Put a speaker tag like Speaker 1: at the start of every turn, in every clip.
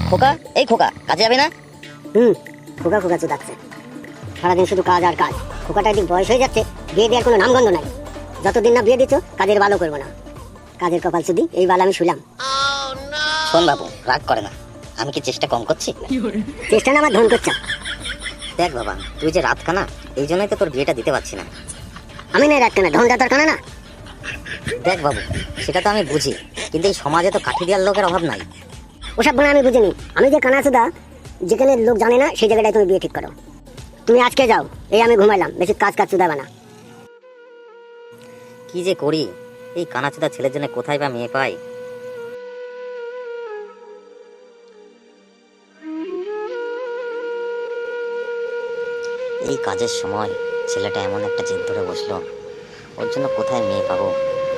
Speaker 1: খোকা, এই খোকা, কাজে যাবে না?
Speaker 2: খোকা খোকা চুদাচ্ছে, সারাদিন শুধু কাজ আর কাজ। খোকাটা একদিন বয়স হয়ে যাচ্ছে, বিয়ে দেওয়ার কোনো নামগন্ধ নাই। যতদিন না বিয়ে দিচ্ছ কাজের ভালো করবো না। কাজের কপাল শুধু এই বাল আমি শুলাম।
Speaker 1: শোন বাবু, রাগ করে না, আমি কি চেষ্টা কম করছি?
Speaker 2: চেষ্টা না আমার ধন করছে।
Speaker 1: দেখ বাবা, তুই যে রাত কানা, এই জন্যই তো তোর বিয়েটা দিতে পারছি না।
Speaker 2: আমি নাই রাখতে না, ধন দাতার কানা না।
Speaker 1: দেখ বাবু, সেটা তো আমি বুঝি, কিন্তু এই সমাজে তো কাঠি দেওয়ার লোকের অভাব নাই।
Speaker 2: ওসব গুলো আমি বুঝিনি। আমি যে কানা সুদা, যেখানে লোক জানে না সেই জায়গাটায় তুমি বিয়ে ঠিক করো। তুমি আজকে যাও, এই আমি ঘুমাইলাম, বেশি কাজ কাজ চুদাবে না।
Speaker 1: কি যে করি, এই কানাচুদা ছেলের জন্য কোথায় বা মেয়ে পাই? এই কাজের সময় ছেলেটা এমন একটা জেদ ধরে বসলো, ওর জন্য কোথায় মেয়ে পাবো?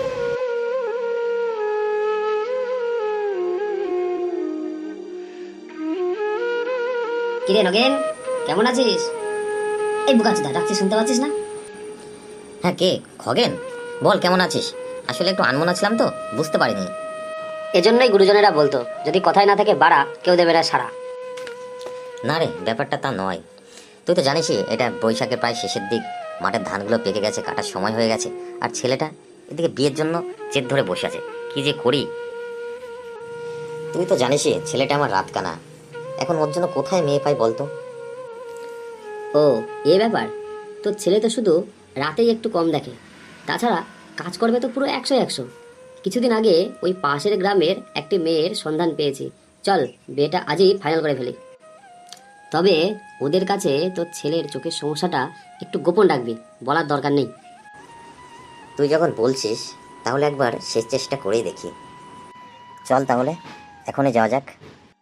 Speaker 2: কিরে নগেন, কেমন আছিস? এই বুকাচুদা ডাকছি, শুনতে পাচ্ছিস না?
Speaker 1: হ্যাঁ, কে? খগেন, বল কেমন আছিস? আসলে একটু আনমনা ছিলাম তো, বুঝতে পারিনি।
Speaker 2: এজন্যই গুরুজনেরা বলতো, যদি কথায় না থাকে বাড়া, কেউ দেবে না সারা।
Speaker 1: না রে, ব্যাপারটা তা নয়। তুই তো জানিসই, এটা বৈশাখের প্রায় শেষের দিক, মাঠের ধানগুলো পেকে গেছে, কাটার সময় হয়ে গেছে, আর ছেলেটা এদিকে বিয়ের জন্য জেদ ধরে বসে আছে। কি যে করি! তুই তো জানিসই, ছেলেটা আমার রাত কানা, এখন ওর জন্য কোথায় মেয়ে পাই বলতো?
Speaker 2: ও, এ ব্যাপার। তোর ছেলে তো শুধু রাতেই একটু কম দেখে, তাছাড়া কাজ করবে তো পুরো 100-100। কিছুদিন আগে ওই পাশের গ্রামের একটি মেয়ের সন্ধান পেয়েছি। চল, বিয়েটা আজই ফাইনাল করে ফেলি। তবে ওদের কাছে তোর ছেলের চোখের সমস্যাটা একটু গোপন রাখবি, বলার দরকার নেই।
Speaker 1: তুই যখন বলছিস, তাহলে একবার শেষ চেষ্টা করেই দেখি। চল তাহলে, এখনই যাওয়া যাক।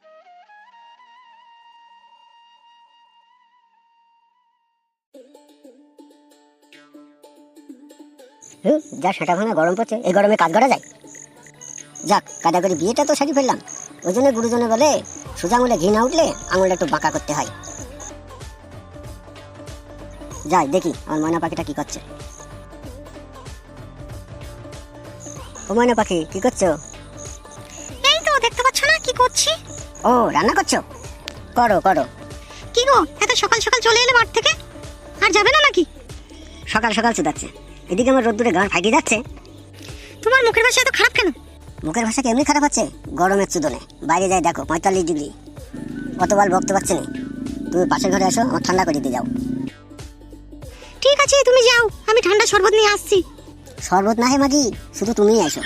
Speaker 2: যা সেটা ভাঙা গরম পড়ছে, এই গরমে কাজ করা যায়? যাক, কাদা করে বিয়েটা তো সারি ফেললাম। ওই জন্য গুরুজনে বলে, সোজা আঙুলে ঘি না উঠলে আঙুলটা একটু বাঁকা করতে হয়। যাই দেখি আমার ময়না পাখিটা কি করছে। ও ময়না পাখি, কি করছো?
Speaker 3: এই তো, দেখতে পাচ্ছ না কি করছি?
Speaker 2: ও, রান্না করছো? করো করো।
Speaker 3: কি গো, এত সকাল সকাল চলে এলে মাঠ থেকে? আর যাবে না নাকি?
Speaker 2: সকাল সকাল চুদাচ্ছে, এদিকে আমার রোদ্দুরে গান ফাইটে যাচ্ছে।
Speaker 3: তোমার মুখের ভাষা এত খারাপ কেন?
Speaker 2: মুখের ভাষা কেমনি খারাপ হচ্ছে? গরমের চুদনে বাইরে যাই দেখো 45 ডিগ্রি, অতবার বকতে পারছে না। তুমি পাশের ঘরে আসো, আমার ঠান্ডা করে দিয়ে যাও।
Speaker 3: ঠিক আছে, তুমি যাও, আমি ঠান্ডা শরবত নিয়ে আসছি।
Speaker 2: শরবত না হে মাগি, শুধু তুমিই আসো।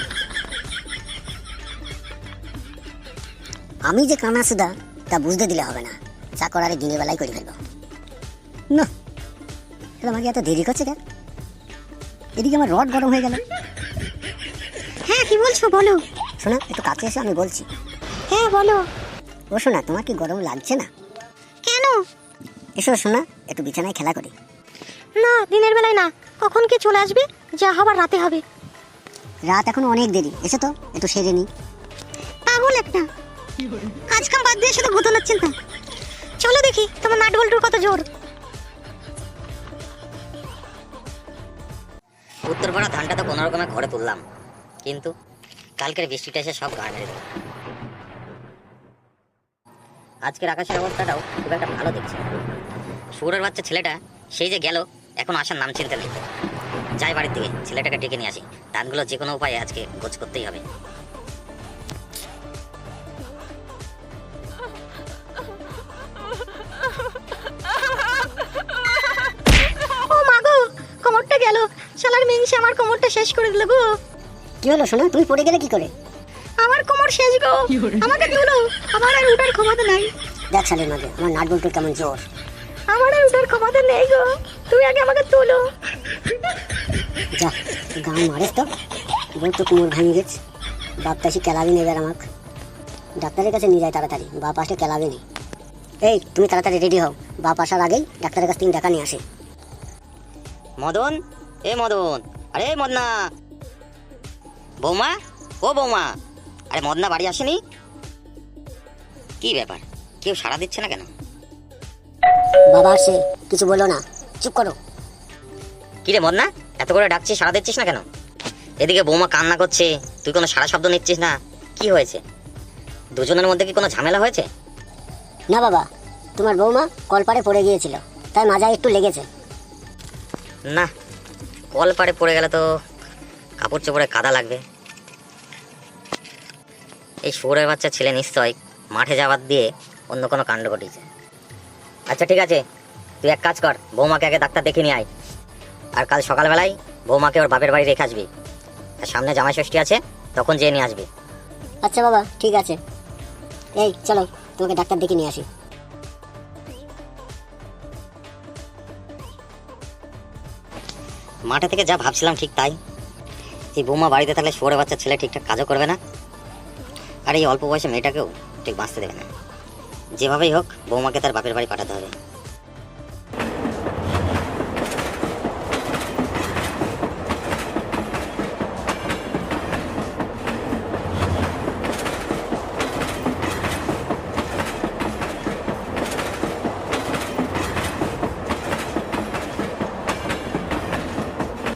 Speaker 2: আমি যে কানা সুদা তা বুঝতে দিলে হবে না, যা করার দিনের বেলায় করে ফেলবো। না, আমাকে এত দেরি করছে কেন? এদিকে আমার রড গরম হয়ে গেল।
Speaker 3: হ্যাঁ, কি বলছো বলো।
Speaker 2: শোনা, একটু কাছে এসে আমি বলছি।
Speaker 3: হ্যাঁ বলো।
Speaker 2: ও শোনা, তোমার কি গরম লাগছে না?
Speaker 3: কেন?
Speaker 2: এসো শোনা, একটু বিছানায় খেলা করি।
Speaker 3: না, দিনের বেলায় না, কখন কে চলে আসবে, যা হবার রাতে হবে।
Speaker 2: রাত এখনো অনেক দেরি, এসো তো একটু সেরে নি।
Speaker 3: পাগল একটা, কাজ কাম বাদ দিয়ে শুধু ভূতনার চিন্তা। চলো দেখি তোমার নাট বল্টুর কত জোর।
Speaker 1: উত্তরপাড়া ধানটা তো কোনো রকমে ঘরে তুললাম, কিন্তু কালকের বৃষ্টিটা এসে সব গায়ে মেরে দিল। আজকের আকাশের অবস্থাটাও খুব একটা ভালো দেখছি না। শুয়োরের বাচ্চা ছেলেটা সেই যে গেল, এখন আসার নাম চিনতে নেই। যাই বাড়ির দিকে, ছেলেটাকে ডেকে নিয়ে আসি। ধানগুলো যে কোনো উপায়ে আজকে গোছ করতেই হবে।
Speaker 3: ও মা গো, কোমরটা গেল, শালার মিংসে আমার কোমরটা শেষ করে দিল গো।
Speaker 2: কি হলো শোনা, তুমি পড়ে গেলে কি করে?
Speaker 3: আমার কোমর শেষ গো, আমাকে তুলো, আমার আর উঠার ক্ষমতা নাই।
Speaker 2: দেখ শালের মাঝে আমার নাট বল্টুর কেমন জোর।
Speaker 3: আমার আর উঠার ক্ষমতা নেই গো, তুমি আগে আমাকে তুলো।
Speaker 2: যা, গান মারিস তো, বল তো কোমর ভাঙে গেছে। বাপ তাসি কেলাবি নেবে আমাকে, ডাক্তারের কাছে নিয়ে যায় তাড়াতাড়ি, বাপ আসলে কেলাবে নি। এই তুমি তাড়াতাড়ি রেডি হও, বাপ আসার আগেই ডাক্তারের কাছ থেকে দেখা নিয়ে আসে।
Speaker 1: মদন, এ মদন, আরে মদনা, বৌমা, ও বৌমা, আরে মদনা বাড়ি আসেনি? কি ব্যাপার, কেউ সাড়া দিচ্ছে না কেন?
Speaker 2: বাবা আসছে, কিছু বলো না, চুপ করো।
Speaker 1: কিরে মদনা, এত করে ডাকছিস, সাড়া দিচ্ছিস না কেন? এদিকে বৌমা কান্না করছে, তুই কোনো সাড়া শব্দ নিচ্ছিস না, কি হয়েছে? দুজনের মধ্যে কি কোনো ঝামেলা হয়েছে?
Speaker 4: না বাবা, তোমার বৌমা কলপাড়ে পড়ে গিয়েছিল, তাই মাজায় একটু লেগেছে।
Speaker 1: না, কল পাড়ে পড়ে গেলে তো কাপড় চোপড়ে কাদা লাগবে। এই শুয়োরের বাচ্চা ছেলে নিশ্চয় মাঠে যাওয়ার দিয়ে অন্য কোনো কাণ্ড ঘটিয়েছে। আচ্ছা ঠিক আছে, তুই এক কাজ কর, বৌমাকে আগে ডাক্তার দেখে নিয়ে আয়। আর কাল সকালবেলায় বৌমাকে ওর বাপের বাড়ি রেখে আসবি। আর সামনে জামাই ষষ্ঠী আছে, তখন যেয়ে নিয়ে আসবি।
Speaker 4: আচ্ছা বাবা, ঠিক আছে। এই চলো, তোমাকে ডাক্তার দেখে নিয়ে আসি।
Speaker 1: মাঠে থেকে যা ভাবছিলাম ঠিক তাই। এই বৌমা বাড়িতে থাকলে শুয়োরের বাচ্চা ছেলে ঠিকঠাক কাজও করবে না, আর এই অল্প বয়সে মেয়েটাকেও ঠিক বাঁচতে দেবে না। যেভাবেই হোক বৌমাকে তার বাপের বাড়ি পাঠাতে হবে।